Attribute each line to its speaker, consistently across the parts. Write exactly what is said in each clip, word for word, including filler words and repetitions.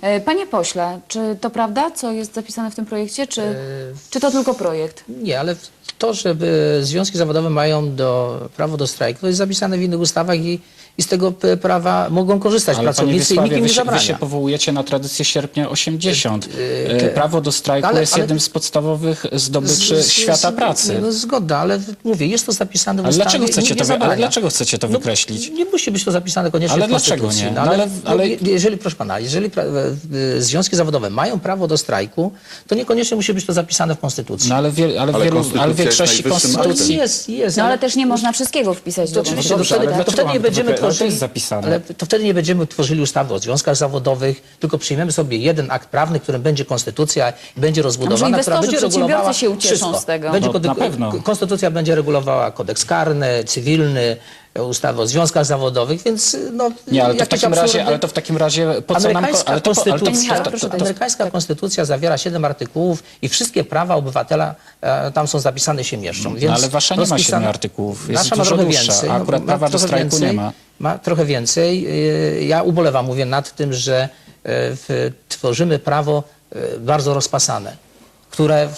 Speaker 1: Panie pośle, czy to prawda, co jest zapisane w tym projekcie, czy, czy to tylko projekt?
Speaker 2: Nie, ale to, że związki zawodowe mają do, prawo do strajku, to jest zapisane w innych ustawach i, i z tego prawa mogą korzystać
Speaker 3: Ale
Speaker 2: pracownicy i nikt im nie
Speaker 3: wy, się,
Speaker 2: zabrania.
Speaker 3: wy się powołujecie na tradycję sierpnia osiemdziesiątego. Yy, prawo do strajku
Speaker 2: ale,
Speaker 3: jest
Speaker 2: ale,
Speaker 3: jednym z podstawowych zdobyczy
Speaker 2: z, z,
Speaker 3: świata
Speaker 2: z,
Speaker 3: pracy.
Speaker 2: No, zgoda, ale mówię, jest to zapisane w
Speaker 3: ale
Speaker 2: ustawie.
Speaker 3: dlaczego chcecie to,
Speaker 2: nie
Speaker 3: ale dlaczego chcecie to
Speaker 2: no,
Speaker 3: wykreślić?
Speaker 2: Nie musi być to zapisane koniecznie
Speaker 3: ale
Speaker 2: w Konstytucji.
Speaker 3: dlaczego nie?
Speaker 2: No,
Speaker 3: no,
Speaker 2: ale,
Speaker 3: ale, ale...
Speaker 2: No, jeżeli, proszę pana, jeżeli pra, związki zawodowe mają prawo do strajku, to niekoniecznie musi być to zapisane w Konstytucji.
Speaker 3: No ale, wie, ale,
Speaker 4: Ale
Speaker 3: wielu, ale w większości konstytucji...
Speaker 2: Jest, jest.
Speaker 1: No ale też nie można wszystkiego wpisać
Speaker 2: To
Speaker 1: do
Speaker 2: oczywiście,
Speaker 1: konstytucji.
Speaker 2: to wtedy,
Speaker 3: ale
Speaker 2: to
Speaker 3: dlaczego
Speaker 2: wtedy nie
Speaker 3: mam to
Speaker 2: będziemy
Speaker 3: wykre- ale to
Speaker 2: tworzyli,
Speaker 3: jest zapisane.
Speaker 2: ale to wtedy nie będziemy tworzyli ustawy o związkach zawodowych, tylko przyjmiemy sobie jeden akt prawny, którym będzie konstytucja i będzie rozbudowana, która
Speaker 1: inwestorzy,
Speaker 2: będzie regulowała
Speaker 1: przedsiębiorcy się ucieszą
Speaker 2: wszystko.
Speaker 1: z tego.
Speaker 2: Będzie
Speaker 3: No,
Speaker 2: kody-
Speaker 3: na pewno.
Speaker 2: Konstytucja będzie regulowała kodeks karny, cywilny, ustawy o związkach zawodowych, więc no
Speaker 3: Nie, ale to w
Speaker 2: jakieś
Speaker 3: takim razie,
Speaker 2: absurdy.
Speaker 3: ale to w takim razie po co nam...
Speaker 2: Amerykańska
Speaker 3: Ale to, ale to,
Speaker 2: konstytucja,
Speaker 1: ale to- proszę,
Speaker 2: amerykańska konstytucja zawiera siedem artykułów i wszystkie prawa obywatela e, tam są zapisane, się mieszczą. Więc
Speaker 3: no, ale wasza nie ma
Speaker 2: rozpisana-
Speaker 3: siedmiu artykułów, jest
Speaker 2: Nasza ma
Speaker 3: dużo
Speaker 2: trochę
Speaker 3: dłuższa,
Speaker 2: więcej.
Speaker 3: a akurat
Speaker 2: ma
Speaker 3: prawa do
Speaker 2: trochę
Speaker 3: strajku
Speaker 2: więcej,
Speaker 3: nie ma.
Speaker 2: Ma trochę więcej. E, Ja ubolewam, mówię, nad tym, że e, w, tworzymy prawo e, bardzo rozpasane, które e,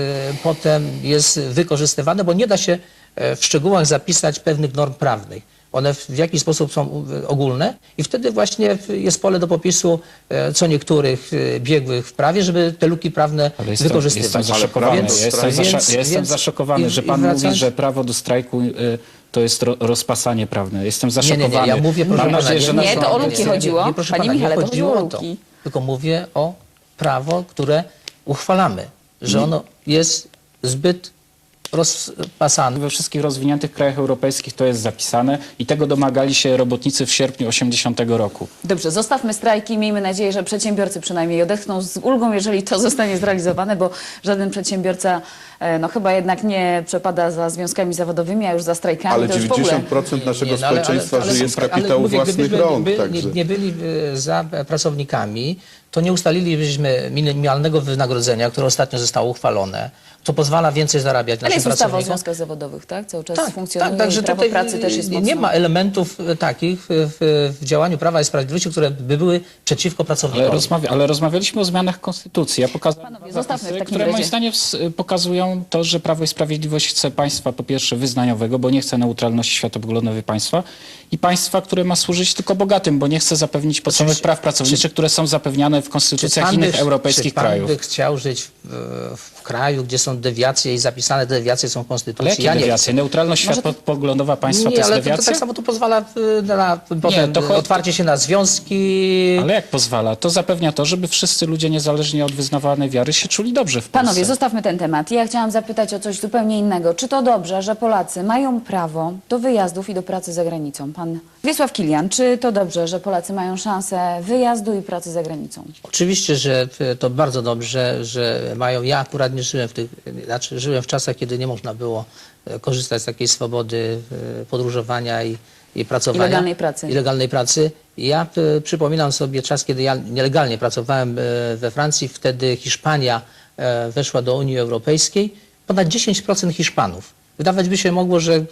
Speaker 2: potem jest wykorzystywane, bo nie da się e, w szczegółach zapisać pewnych norm prawnych. One w jakiś sposób są ogólne i wtedy właśnie jest pole do popisu e, co niektórych e, biegłych w prawie, żeby te luki prawne
Speaker 3: Ale jestem,
Speaker 2: wykorzystywać.
Speaker 3: jestem zaszokowany,
Speaker 4: Więc-
Speaker 3: ja jestem, zasza,
Speaker 2: więc-
Speaker 3: ja jestem
Speaker 2: więc-
Speaker 3: zaszokowany,
Speaker 2: i-
Speaker 3: że
Speaker 2: i
Speaker 3: pan
Speaker 2: wracając-
Speaker 3: mówi, że prawo do strajku y, to jest ro, rozpasanie prawne. Jestem
Speaker 2: Nie,
Speaker 3: zaszokowany.
Speaker 2: nie, nie, ja mówię, proszę
Speaker 3: Mam
Speaker 2: pana,
Speaker 3: nadzieję, że
Speaker 1: nie,
Speaker 3: nasz-
Speaker 1: to o luki chodziło.
Speaker 2: Nie, proszę
Speaker 1: Panie
Speaker 2: pana,
Speaker 1: Michale,
Speaker 2: nie
Speaker 1: to
Speaker 2: chodziło
Speaker 1: chodziło o
Speaker 2: o to,
Speaker 1: luki.
Speaker 2: tylko mówię o prawo, które uchwalamy, że ono jest zbyt rozpasane.
Speaker 3: We wszystkich rozwiniętych krajach europejskich to jest zapisane i tego domagali się robotnicy w sierpniu osiemdziesiątego roku.
Speaker 1: Dobrze, zostawmy strajki. Miejmy nadzieję, że przedsiębiorcy przynajmniej odetchną z ulgą, jeżeli to zostanie zrealizowane, bo żaden przedsiębiorca e, no chyba jednak nie przepada za związkami zawodowymi, a już za strajkami.
Speaker 4: Ale
Speaker 1: to już w ogóle...
Speaker 4: dziewięćdziesiąt procent naszego
Speaker 2: Nie, no, ale-
Speaker 4: społeczeństwa
Speaker 2: ale- ale-
Speaker 4: żyje z
Speaker 2: ale
Speaker 4: kapitału
Speaker 2: mówię,
Speaker 4: własnych
Speaker 2: gdybyśmy
Speaker 4: rąk.
Speaker 2: by,
Speaker 4: Także.
Speaker 2: nie, nie byli e, za pracownikami, to nie ustalilibyśmy minimalnego wynagrodzenia, które ostatnio zostało uchwalone, co pozwala więcej zarabiać
Speaker 1: Ale
Speaker 2: naszym
Speaker 1: jest ustawa o
Speaker 2: pracownikom.
Speaker 1: związkach zawodowych, tak? Cały czas
Speaker 2: Tak,
Speaker 1: funkcjonuje
Speaker 2: tak, także
Speaker 1: i prawo
Speaker 2: tutaj
Speaker 1: pracy też jest
Speaker 2: nie,
Speaker 1: mocno...
Speaker 2: nie ma elementów e, takich w, w działaniu Prawa i Sprawiedliwości, które by były przeciwko
Speaker 3: Ale,
Speaker 2: pracownikowi.
Speaker 3: rozmawia, ale rozmawialiśmy o zmianach konstytucji. Ja pokazałem
Speaker 1: Panowie,
Speaker 3: dwa
Speaker 1: zostawmy w
Speaker 3: zapisy,
Speaker 1: takim
Speaker 3: które moim
Speaker 1: razie.
Speaker 3: zdaniem ws- pokazują to, że Prawo i Sprawiedliwość chce państwa po pierwsze wyznaniowego, bo nie chce neutralności światopoglądowej państwa i państwa, które ma służyć tylko bogatym, bo nie chce zapewnić podstawowych
Speaker 2: Czy-
Speaker 3: praw pracowniczych, które są zapewniane w konstytucjach
Speaker 2: pan
Speaker 3: innych
Speaker 2: by-
Speaker 3: europejskich
Speaker 2: czy pan
Speaker 3: krajów.
Speaker 2: by chciał żyć w, w kraju, gdzie są dewiacje i zapisane te dewiacje są w
Speaker 3: Ale
Speaker 2: Konstytucji?
Speaker 3: jakie
Speaker 2: Ja nie
Speaker 3: dewiacje? Neutralność
Speaker 2: Może to-
Speaker 3: światopoglądowa państwa to
Speaker 2: Nie,
Speaker 3: jest
Speaker 2: ale to, to
Speaker 3: dewiacja?
Speaker 2: tak samo to pozwala y, na potem
Speaker 3: to cho-
Speaker 2: otwarcie się na związki.
Speaker 3: Ale jak pozwala? To zapewnia to, żeby wszyscy ludzie, niezależnie od wyznawanej wiary, się czuli dobrze w Polsce.
Speaker 1: Panowie, zostawmy ten temat. Ja chciałam zapytać o coś zupełnie innego. Czy to dobrze, że Polacy mają prawo do wyjazdów i do pracy za granicą? Pan Wiesław Kilian, czy to dobrze, że Polacy mają szansę wyjazdu i pracy za granicą?
Speaker 2: Oczywiście, że to bardzo dobrze, że mają. Ja akurat nie żyłem w tych, znaczy żyłem w czasach, kiedy nie można było e, korzystać z takiej swobody e, podróżowania i, i pracowania.
Speaker 1: I legalnej pracy.
Speaker 2: I legalnej pracy. Ja e, przypominam sobie czas, kiedy ja nielegalnie pracowałem e, we Francji. Wtedy Hiszpania e, weszła do Unii Europejskiej. Ponad dziesięć procent Hiszpanów. Wydawać by się mogło, że e,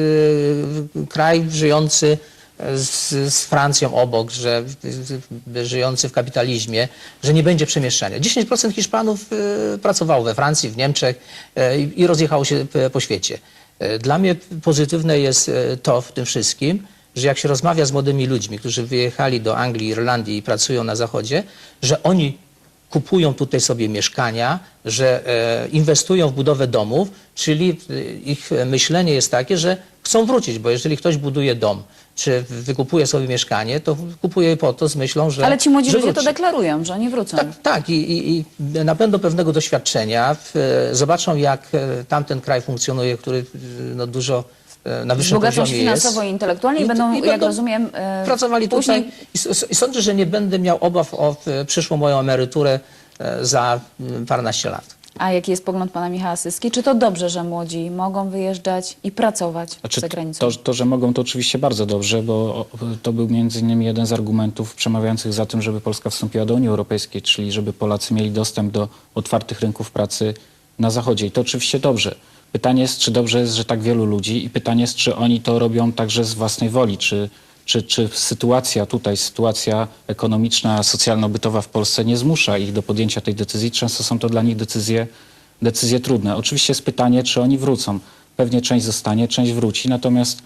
Speaker 2: kraj żyjący z, z Francją obok, że y, żyjący w kapitalizmie, że nie będzie przemieszczania. dziesięć procent Hiszpanów y, pracowało we Francji, w Niemczech y, i rozjechało się y, po świecie. Y, Dla mnie pozytywne jest y, to w tym wszystkim, że jak się rozmawia z młodymi ludźmi, którzy wyjechali do Anglii, Irlandii i pracują na Zachodzie, że oni kupują tutaj sobie mieszkania, że e, inwestują w budowę domów, czyli e, ich myślenie jest takie, że chcą wrócić, bo jeżeli ktoś buduje dom, czy wykupuje sobie mieszkanie, to kupuje je po to z myślą, że
Speaker 1: Ale ci młodzi
Speaker 2: że
Speaker 1: ludzie to
Speaker 2: wróci.
Speaker 1: deklarują, że nie wrócą.
Speaker 2: Tak, tak i, i, i nabędą pewnego doświadczenia, w, zobaczą jak e, tamten kraj funkcjonuje, który e, no, dużo e, na wyższym
Speaker 1: Wzbogacą się
Speaker 2: poziomie jest.
Speaker 1: finansowo i intelektualnie i, będą, jak rozumiem, e,
Speaker 2: pracowali
Speaker 1: później...
Speaker 2: tutaj i, s- i sądzę, że nie będę miał obaw o e, przyszłą moją emeryturę e, za mm, paręnaście lat.
Speaker 1: A jaki jest pogląd pana Michała Syski? Czy to dobrze, że młodzi mogą wyjeżdżać i pracować
Speaker 3: Znaczy,
Speaker 1: za granicą?
Speaker 3: to, to, że mogą, to oczywiście bardzo dobrze, bo o, to był między innymi jeden z argumentów przemawiających za tym, żeby Polska wstąpiła do Unii Europejskiej, czyli żeby Polacy mieli dostęp do otwartych rynków pracy na Zachodzie. I to oczywiście dobrze. Pytanie jest, czy dobrze jest, że tak wielu ludzi i pytanie jest, czy oni to robią także z własnej woli, czy czy, czy sytuacja tutaj, sytuacja ekonomiczna, socjalno-bytowa w Polsce nie zmusza ich do podjęcia tej decyzji. Często są to dla nich decyzje, decyzje trudne. Oczywiście jest pytanie, czy oni wrócą. Pewnie część zostanie, część wróci, natomiast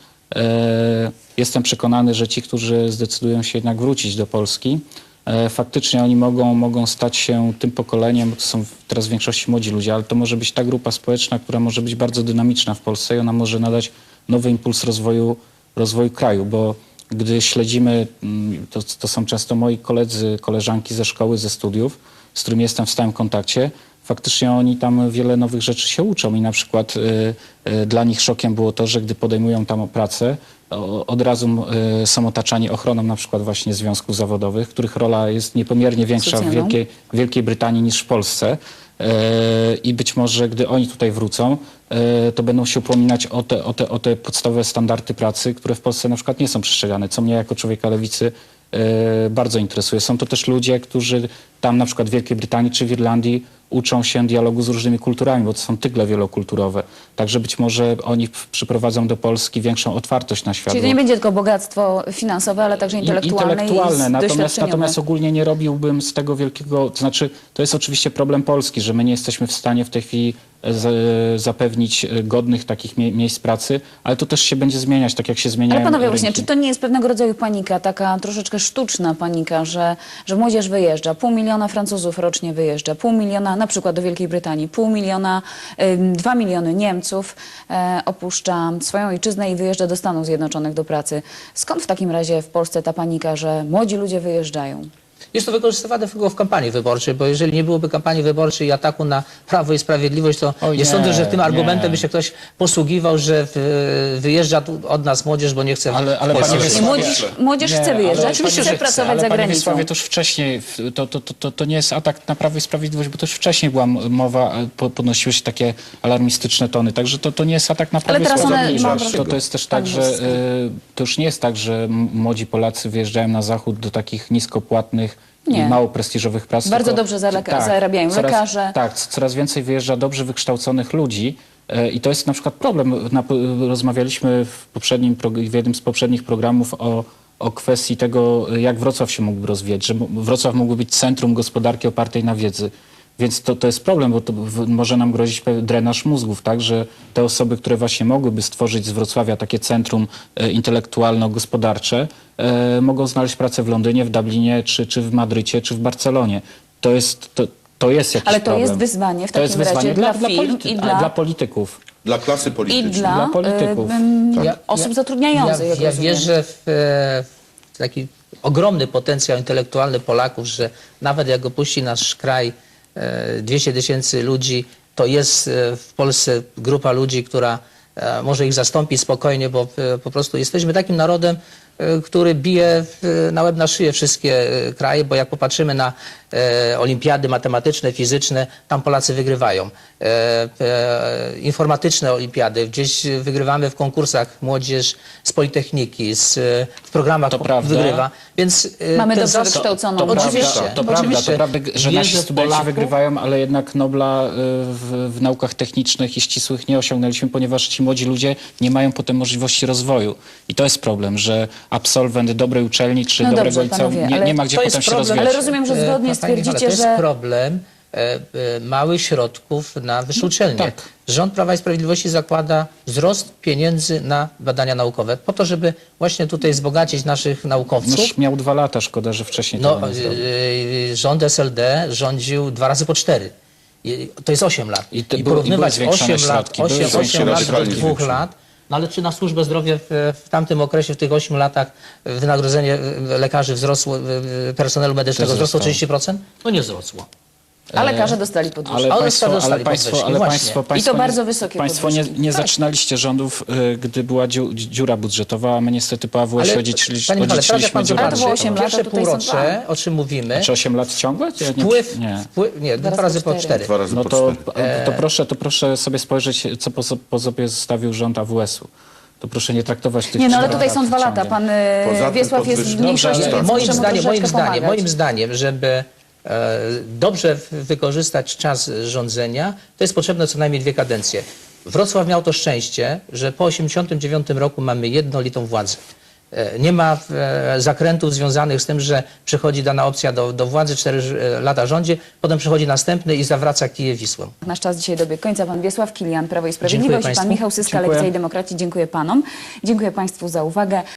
Speaker 3: e, jestem przekonany, że ci, którzy zdecydują się jednak wrócić do Polski, e, faktycznie oni mogą, mogą stać się tym pokoleniem, bo to są teraz w większości młodzi ludzie, ale to może być ta grupa społeczna, która może być bardzo dynamiczna w Polsce i ona może nadać nowy impuls rozwoju, rozwoju kraju, bo gdy śledzimy, mm, to, to są często moi koledzy, koleżanki ze szkoły, ze studiów, z którymi jestem w stałym kontakcie, faktycznie oni tam wiele nowych rzeczy się uczą i na przykład y, y, dla nich szokiem było to, że gdy podejmują tam pracę, o, od razu y, są otaczani ochroną na przykład właśnie związków zawodowych, których rola jest niepomiernie większa w
Speaker 1: Socjalną.
Speaker 3: Wielkiej, w Wielkiej Brytanii niż w Polsce. Y, I być może gdy oni tutaj wrócą, y, to będą się upominać o te, o, te, o te podstawowe standardy pracy, które w Polsce na przykład nie są przestrzegane, co mnie jako człowieka lewicy y, bardzo interesuje. Są to też ludzie, którzy tam na przykład w Wielkiej Brytanii czy w Irlandii uczą się dialogu z różnymi kulturami, bo to są tygle wielokulturowe. Także być może oni w- przyprowadzą do Polski większą otwartość na świat.
Speaker 1: Czyli to nie będzie tylko bogactwo finansowe, ale także
Speaker 3: I-
Speaker 1: intelektualne,
Speaker 3: intelektualne.
Speaker 1: i
Speaker 3: Natomiast,
Speaker 1: doświadczeniowe.
Speaker 3: natomiast ogólnie nie robiłbym z tego wielkiego, to znaczy to jest oczywiście problem Polski, że my nie jesteśmy w stanie w tej chwili e, z, zapewnić e, godnych takich mie miejsc pracy, ale to też się będzie zmieniać, tak jak się zmieniają
Speaker 1: Ale panowie,
Speaker 3: rynki.
Speaker 1: właśnie, czy to nie jest pewnego rodzaju panika, taka troszeczkę sztuczna panika, że, że młodzież wyjeżdża, pół miliona Francuzów rocznie wyjeżdża, pół miliona na przykład do Wielkiej Brytanii, pół miliona, ym, dwa miliony Niemców e, opuszcza swoją ojczyznę i wyjeżdża do Stanów Zjednoczonych do pracy. Skąd w takim razie w Polsce ta panika, że młodzi ludzie wyjeżdżają?
Speaker 2: Jest to wykorzystywane tylko w kampanii wyborczej, bo jeżeli nie byłoby kampanii wyborczej i ataku na Prawo i Sprawiedliwość, to
Speaker 3: Oj,
Speaker 2: nie,
Speaker 3: nie,
Speaker 2: sądzę, że tym
Speaker 3: nie.
Speaker 2: argumentem by się ktoś posługiwał, że w, wyjeżdża tu od nas młodzież, bo nie chce
Speaker 3: Ale- ale
Speaker 2: w Polsce
Speaker 3: panie
Speaker 2: żyć.
Speaker 1: Nie, młodzież, młodzież chce wyjeżdżać,
Speaker 3: ale
Speaker 2: oczywiście,
Speaker 1: chce
Speaker 2: że chce,
Speaker 1: pracować
Speaker 3: ale
Speaker 1: za
Speaker 3: panie
Speaker 1: granicą.
Speaker 3: Wiesławie, to już wcześniej, w- to, to, to, to, to nie jest atak na Prawo i Sprawiedliwość, bo to już wcześniej była m- mowa, e, po- podnosiły się takie alarmistyczne tony, także to, to nie jest atak na Prawo
Speaker 1: Ale
Speaker 3: i
Speaker 1: teraz one
Speaker 3: Sprawiedliwość.
Speaker 1: mam
Speaker 3: To, to jest też
Speaker 1: tak
Speaker 3: tak, że
Speaker 1: brzydko.
Speaker 3: e, to już nie jest tak, że m- młodzi Polacy wyjeżdżają na zachód do takich niskopłatnych
Speaker 1: Nie.
Speaker 3: i mało prestiżowych prac.
Speaker 1: Bardzo
Speaker 3: tylko-
Speaker 1: dobrze zaleka- zarabiają
Speaker 3: coraz,
Speaker 1: lekarze.
Speaker 3: Tak, c- coraz więcej wyjeżdża dobrze wykształconych ludzi. e, I to jest na przykład problem. Na, rozmawialiśmy w, poprzednim, prog- w jednym z poprzednich programów o, o kwestii tego, jak Wrocław się mógłby rozwijać, że m- Wrocław mógłby być centrum gospodarki opartej na wiedzy. Więc to, to jest problem, bo to w, może nam grozić pe- drenaż mózgów, tak, że te osoby, które właśnie mogłyby stworzyć z Wrocławia takie centrum e, intelektualno-gospodarcze, e, mogą znaleźć pracę w Londynie, w Dublinie, czy, czy w Madrycie, czy w Barcelonie. To jest, to, to jest jakiś
Speaker 1: Ale to
Speaker 3: problem.
Speaker 1: jest wyzwanie w
Speaker 3: To jest
Speaker 1: takim razie
Speaker 3: wyzwanie
Speaker 1: dla
Speaker 3: dla,
Speaker 1: firm
Speaker 3: polity-
Speaker 1: i
Speaker 3: a,
Speaker 1: dla-
Speaker 3: dla polityków.
Speaker 4: Dla klasy
Speaker 1: I
Speaker 4: politycznej.
Speaker 1: dla,
Speaker 3: Dla polityków.
Speaker 1: y, ym,
Speaker 2: Ja-
Speaker 1: osób
Speaker 2: ja-
Speaker 1: zatrudniających,
Speaker 2: Ja,
Speaker 1: jak
Speaker 2: ja
Speaker 1: rozumiem.
Speaker 2: wierzę w, e, w taki ogromny potencjał intelektualny Polaków, że nawet jak opuści nasz kraj e, dwieście tysięcy ludzi, to jest e, w Polsce grupa ludzi, która e, może ich zastąpić spokojnie, bo e, po prostu jesteśmy takim narodem, e, który bije w, na łeb na szyję wszystkie e, kraje, bo jak popatrzymy na e, olimpiady matematyczne, fizyczne, tam Polacy wygrywają. E, e, informatyczne olimpiady, gdzieś wygrywamy w konkursach młodzież z Politechniki, z, e, w programach
Speaker 3: To prawda.
Speaker 2: wygrywa. Więc e,
Speaker 1: Mamy
Speaker 2: ten
Speaker 1: dobrze
Speaker 2: zale-
Speaker 1: wykształconą
Speaker 3: To
Speaker 1: młodzież.
Speaker 2: Oczywiście,
Speaker 3: prawda, to
Speaker 2: oczywiście.
Speaker 3: prawda, to prawda, że
Speaker 2: Wierzę
Speaker 3: nasi
Speaker 2: w
Speaker 3: studenci
Speaker 2: Polaków.
Speaker 3: wygrywają, ale jednak Nobla y, w, w naukach technicznych i ścisłych nie osiągnęliśmy, ponieważ ci młodzi ludzie nie mają potem możliwości rozwoju. I to jest problem, że absolwent dobrej uczelni czy
Speaker 1: No
Speaker 3: dobrego
Speaker 1: dobrze,
Speaker 3: liceum
Speaker 1: panowie,
Speaker 3: nie,
Speaker 1: ale
Speaker 3: nie ma gdzie
Speaker 2: To
Speaker 3: potem
Speaker 2: jest
Speaker 3: się
Speaker 2: problem,
Speaker 3: rozwijać.
Speaker 1: Ale rozumiem, że zgodnie
Speaker 2: E, pani Michale,
Speaker 1: stwierdzicie,
Speaker 2: to jest
Speaker 1: że-
Speaker 2: problem e, e, małych środków na wyższe uczelnie.
Speaker 3: tak.
Speaker 2: Rząd Prawa i Sprawiedliwości zakłada wzrost pieniędzy na badania naukowe, po to, żeby właśnie tutaj wzbogacić naszych naukowców.
Speaker 3: Noż miał dwa lata, szkoda, że wcześniej
Speaker 2: No,
Speaker 3: tego nie zrobił.
Speaker 2: e, rząd S L D rządził dwa razy po cztery. I to jest osiem lat.
Speaker 3: I te
Speaker 2: I
Speaker 3: były- i
Speaker 2: porównywać
Speaker 3: były zwiększone
Speaker 2: osiem lat,
Speaker 3: środki, były
Speaker 2: osiem,
Speaker 3: zwiększone
Speaker 2: osiem lat do
Speaker 4: radykalnie
Speaker 2: dwóch
Speaker 4: zwiększone.
Speaker 2: lat. No ale czy na służbę zdrowia w, w tamtym okresie, w tych ośmiu latach wynagrodzenie e, lekarzy wzrosło, e, e, personelu medycznego
Speaker 3: Też
Speaker 2: wzrosło
Speaker 3: wzrosło.
Speaker 2: trzydzieści procent? No nie wzrosło.
Speaker 1: a lekarze dostali podwyżkę.
Speaker 3: Ale
Speaker 2: Ale
Speaker 3: państwo,
Speaker 2: dostali
Speaker 3: ale państwo,
Speaker 2: podwyżki,
Speaker 3: ale
Speaker 2: właśnie.
Speaker 3: państwo,
Speaker 2: I to
Speaker 3: państwo
Speaker 1: bardzo
Speaker 3: nie,
Speaker 1: wysokie
Speaker 3: Państwo nie,
Speaker 1: podwyżki.
Speaker 3: nie
Speaker 2: Tak.
Speaker 3: zaczynaliście rządów, y, gdy była dziu, dziura budżetowa, a my niestety po A W S
Speaker 2: Ale,
Speaker 3: odziedziczyli-
Speaker 2: Panie Michale, teraz jak
Speaker 3: odziedziczyliśmy
Speaker 2: pan
Speaker 3: dziurę
Speaker 1: Ale to było
Speaker 2: zobaczy,
Speaker 1: osiem lat, a
Speaker 2: pierwsze
Speaker 1: tutaj są
Speaker 2: półrocze, o czym mówimy,
Speaker 3: Czy osiem lat ciągłe? Ja nie-
Speaker 2: wpływ,
Speaker 3: nie.
Speaker 2: wpływ, nie, dwa
Speaker 1: razy
Speaker 2: razy
Speaker 1: po
Speaker 2: po
Speaker 1: cztery.
Speaker 2: cztery.
Speaker 4: Dwa razy
Speaker 3: No
Speaker 4: po
Speaker 3: to,
Speaker 4: cztery.
Speaker 3: to, proszę, to proszę sobie spojrzeć, co po, so- po sobie zostawił rząd A W S-u. To proszę nie traktować tych
Speaker 1: Nie, no ale
Speaker 3: czterech
Speaker 1: tutaj są
Speaker 3: lat
Speaker 1: dwa lata.
Speaker 3: ciągiem.
Speaker 1: Pan y,
Speaker 4: Poza tym
Speaker 1: Wiesław jest w
Speaker 4: podwyżki-
Speaker 1: mniejszości,
Speaker 3: Dobrze,
Speaker 1: więc
Speaker 2: moim
Speaker 1: muszę mu
Speaker 2: zdaniem, moim
Speaker 1: troszeczkę
Speaker 2: zdaniem,
Speaker 1: pomagać.
Speaker 2: moim zdaniem, żeby e, dobrze w- wykorzystać czas rządzenia, to jest potrzebne co najmniej dwie kadencje. Wrocław miał to szczęście, że po tysiąc dziewięćset osiemdziesiątym dziewiątym roku mamy jednolitą władzę. E, Nie ma e, zakrętów związanych z tym, że przychodzi dana opcja do, do władzy, cztery lata rządzi, potem przychodzi następny i zawraca Kijów Wisłą.
Speaker 1: Nasz czas dzisiaj dobiegł końca. Pan Wiesław Kilian, Prawo i Sprawiedliwość, i pan
Speaker 2: Państwu.
Speaker 1: Michał Syska,
Speaker 3: Dziękuję.
Speaker 1: Lewica i Demokraci. Dziękuję panom. Dziękuję państwu za uwagę.